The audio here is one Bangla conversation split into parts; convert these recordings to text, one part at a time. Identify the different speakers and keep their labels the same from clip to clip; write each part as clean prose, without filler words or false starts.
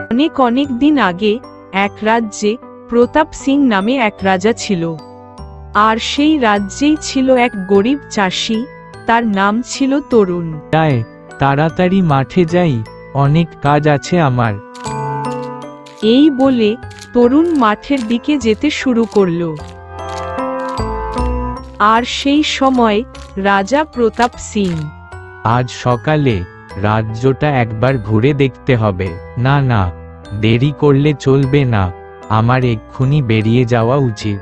Speaker 1: অনেক অনেক দিন আগে এক রাজ্যে প্রতাপ সিং নামে এক রাজা ছিল। আর সেই রাজ্যেই ছিল এক গরিব চাষি, তার নাম ছিল তরুণ।
Speaker 2: তাড়াতাড়ি মাঠে যাই, অনেক কাজ আছে আমার।
Speaker 1: এই বলে তরুণ মাঠের দিকে যেতে শুরু করল। আর সেই সময় রাজা প্রতাপ সিং,
Speaker 2: আজ সকালে রাজ্যটা একবার ঘুরে দেখতে হবে। না না, দেরি করলে চলবে না, আমার এক্ষুনি বেরিয়ে যাওয়া উচিত।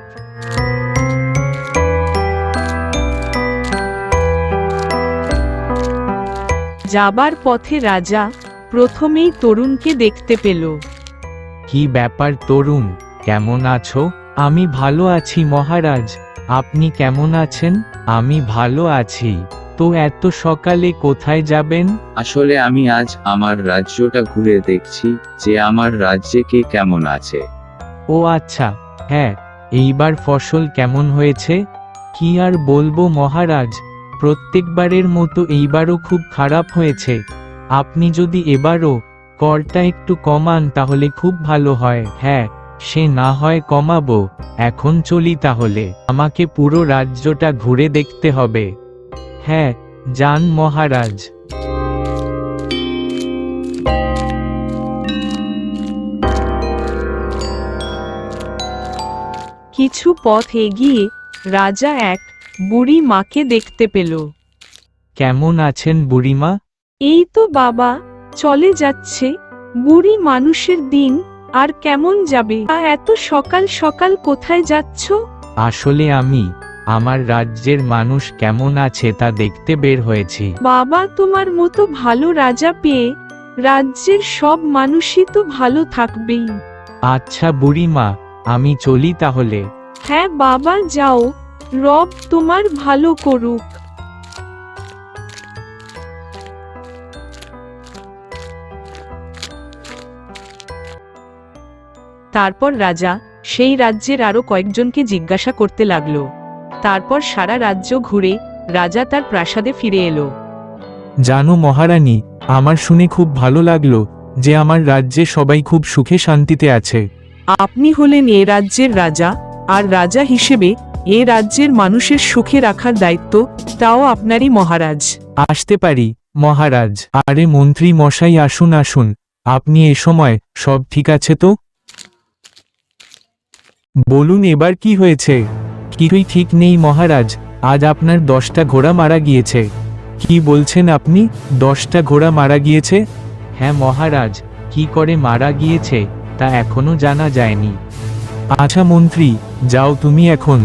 Speaker 1: যাবার পথে রাজা প্রথমেই তরুণকে দেখতে পেল।
Speaker 2: কি ব্যাপার তরুণ, কেমন আছো? আমি ভালো আছি মহারাজ, আপনি কেমন আছেন? আমি ভালো আছি। তো এত সকালে কোথায় যাবেন?
Speaker 3: আসলে আমি আজ আমার রাজ্যটা ঘুরে দেখছি যে আমার রাজ্যে কে কেমন আছে।
Speaker 2: ও আচ্ছা, হ্যাঁ, এইবার ফসল কেমন হয়েছে? কি আর বলবো মহারাজ, প্রত্যেকবারের মতো এইবারও খুব খারাপ হয়েছে। আপনি যদি এবারও করটা একটু কমান তাহলে খুব ভালো হয়। হ্যাঁ, সে না হয় কমাবো, এখন চলি তাহলে। আমাকে পুরো রাজ্যটা ঘুরে দেখতে হবে। হ্যাঁ, যান মহারাজ।
Speaker 1: কিছু পথ এগিয়ে রাজা এক বুড়ি মাকে দেখতে পেল।
Speaker 2: কেমন আছেন বুড়িমা?
Speaker 1: এই তো বাবা, চলে যাচ্ছে। বুড়ি মানুষের দিন আর কেমন যাবে? এত সকাল সকাল কোথায় যাচ্ছ?
Speaker 2: আসলে আমি আমার রাজ্যের মানুষ কেমন আছে তা দেখতে বের হয়েছি।
Speaker 1: বাবা, তোমার মতো ভালো রাজা পেয়ে রাজ্যের সব মানুষই তো ভালো থাকবেই।
Speaker 2: আচ্ছা বুড়িমা, আমি চলি তাহলে।
Speaker 1: হ্যাঁ বাবা, যাও, রব তোমার ভালো করুক। তারপর রাজা সেই রাজ্যের আরো কয়েকজনকে জিজ্ঞাসা করতে লাগলো। তারপর সারা রাজ্য ঘুরে রাজা তার প্রাসাদে ফিরে এলো।
Speaker 2: জানো মহারানী, আমার শুনে খুব ভালো লাগলো যে আমার রাজ্যে সবাই খুব সুখে শান্তিতে আছে।
Speaker 1: আপনি হলেন এ রাজ্যের রাজা, আর রাজা হিসেবে এ রাজ্যের মানুষের সুখে রাখার দায়িত্ব তাও আপনারই মহারাজ।
Speaker 2: আসতে পারি মহারাজ? আরে মন্ত্রী মশাই, আসুন আসুন, আপনি এ সময় সব ঠিক আছে তো? বলুন এবার কি হয়েছে? কিছুই ঠিক নেই মহারাজ, আজ আপনার 10টা ঘোড়া মারা গিয়েছে। কি বলছেন আপনি? 10টা ঘোড়া মারা গিয়েছে? হ্যাঁ মহারাজ, কি করে মারা গিয়েছে তা এখনো জানা যায়নি। আচ্ছা মন্ত্রী, যাও তুমি এখন।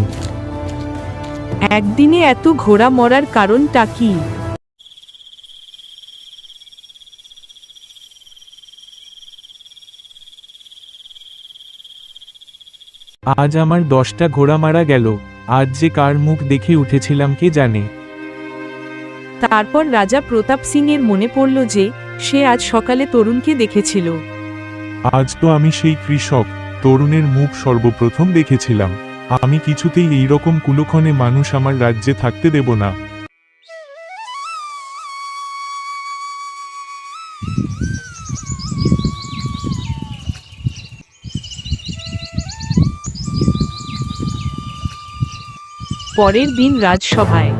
Speaker 1: একদিনে এত ঘোড়া মরার কারণটা কি?
Speaker 2: আজ আমার 10টা ঘোড়া মারা গেল, আজ যে কার মুখ দেখে উঠেছিলাম কে জানে।
Speaker 1: তারপর রাজা প্রতাপ সিং এর মনে পড়ল যে সে আজ সকালে তরুণকে দেখেছিল।
Speaker 4: আজ তো আমি সেই কৃষক তরুণের মুখ সর্বপ্রথম দেখেছিলাম। আমি কিছুতেই এইরকম কুলক্ষণে মানুষ আমার রাজ্যে থাকতে দেব না।
Speaker 1: পরের দিন রাজসভায়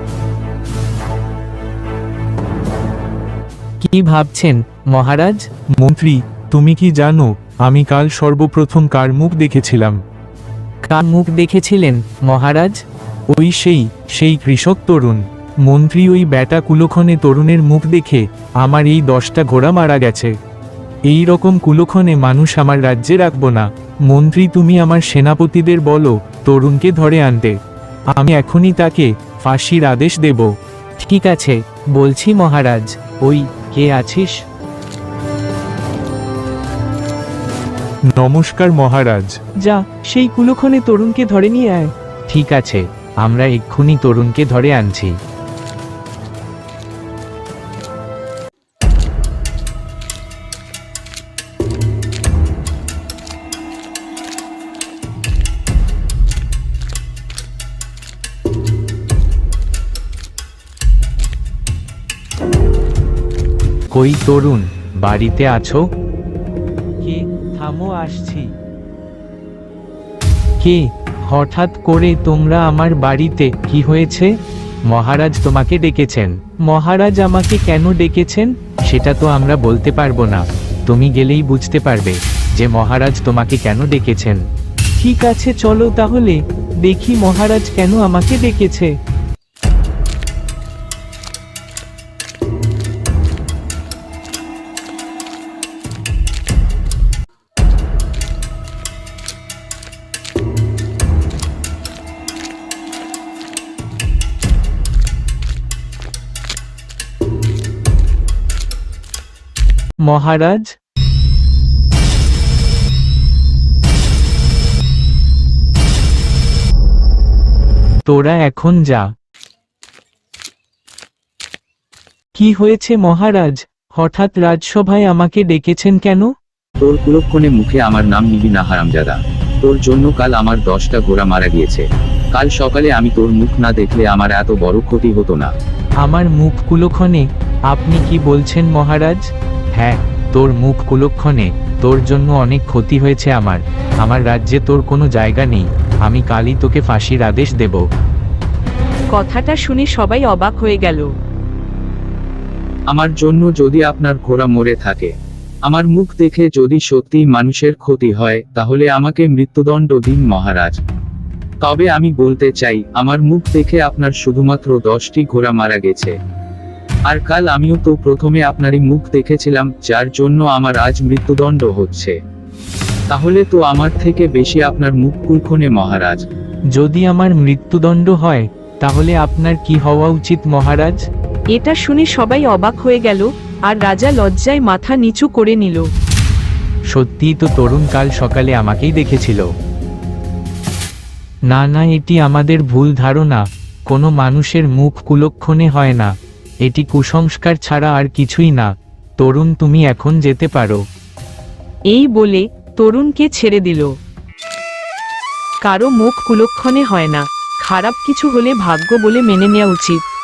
Speaker 2: কি ভাবছেন মহারাজ? মন্ত্রী, তুমি কি জানো আমি কাল সর্বপ্রথম কার মুখ দেখেছিলাম? কার মুখ দেখেছিলেন মহারাজ? ওই সেই কৃষক তরুণ। মন্ত্রী, ওই ব্যাটা কুলক্ষণে তরুণের মুখ দেখে আমার এই 10টা ঘোড়া মারা গেছে। এই রকম কুলক্ষণে মানুষ আমার রাজ্যে রাখবো না। মন্ত্রী, তুমি আমার সেনাপতিদের বলো তরুণকে ধরে আনতে। আমি এখনই তাকে ফাঁসির আদেশ দেব। ঠিক আছে, বলছি মহারাজ। ওই, কে আছিস?
Speaker 4: নমস্কার মহারাজ।
Speaker 2: যা, সেই কুলক্ষণে তরুণকে ধরে নিয়ে আয়। ঠিক আছে, আমরা এক্ষুনি তরুণকে ধরে আনছি। কই তরুণ, বাড়িতে আছো? থামো, আসছি। কে? হঠাৎ করে তোমরা আমার বাড়িতে? কি হয়েছে? মহারাজ তোমাকে ডেকেছেন। মহারাজ আমাকে কেন ডেকেছেন সেটা তো আমরা বলতে পারবো না, তুমি গেলেই বুঝতে পারবে যে মহারাজ তোমাকে কেন ডেকেছেন। ঠিক আছে, চলো তাহলে দেখি মহারাজ কেন আমাকে ডেকেছে। মহারাজ, তোরা এখন যা। কি হয়েছে মহারাজ? হঠাৎ রাজসভায় আমাকে ডেকেছেন কেন?
Speaker 3: তোর কুলক্ষণে মুখে আমার নাম নিবি না হারামজাদা। তোর জন্য কাল আমার 10টা ঘোড়া মারা গিয়েছে। কাল সকালে আমি তোর মুখ না দেখলে আমার এত বড় ক্ষতি হতো না।
Speaker 2: আমার মুখ কুলক্ষণে? আপনি কি বলছেন মহারাজ? হ্যাঁ, তোর মুখ কুলক্ষণে। তোর জন্য অনেক ক্ষতি হয়েছে আমার রাজ্যে তোর কোনো জায়গা নেই। আমি কালই তোকে ফাঁসির আদেশ দেব।
Speaker 1: কথাটা শুনে সবাই অবাক হয়ে গেল।
Speaker 3: আমার জন্য যদি আপনার ঘোড়া মরে থাকে, আমার মুখ দেখে যদি সত্যি মানুষের ক্ষতি হয়, তাহলে আমাকে মৃত্যুদণ্ড দিন মহারাজ। তবে আমি বলতে চাই, আমার মুখ দেখে আপনার শুধুমাত্র 10টি ঘোড়া মারা গেছে। আর কাল আমিও তো প্রথমে আপনারই মুখ দেখেছিলাম, যার জন্য আমার আজ মৃত্যুদণ্ড হচ্ছে। তাহলে তো আমার থেকে বেশি আপনার মুখ কুলক্ষণে মহারাজ।
Speaker 2: যদি আমার মৃত্যুদণ্ড হয় তাহলে আপনার কি হওয়া উচিত মহারাজ?
Speaker 1: এটা শুনে সবাই অবাক হয়ে গেল, আর রাজা লজ্জায় মাথা নিচু করে নিল।
Speaker 2: সত্যিই তো তরুণ কাল সকালে আমাকেই দেখেছিল। না না, এটি আমাদের ভুল ধারণা। কোনো মানুষের মুখ কুলক্ষণে হয় না। এটি কুসংস্কার ছাড়া আর কিছুই না। তরুণ, তুমি এখন যেতে পারো।
Speaker 1: এই বলে তরুণকে ছেড়ে দিল। কারো মুখ কুলক্ষণে হয় না, খারাপ কিছু হলে ভাগ্য বলে মেনে নেওয়া উচিত।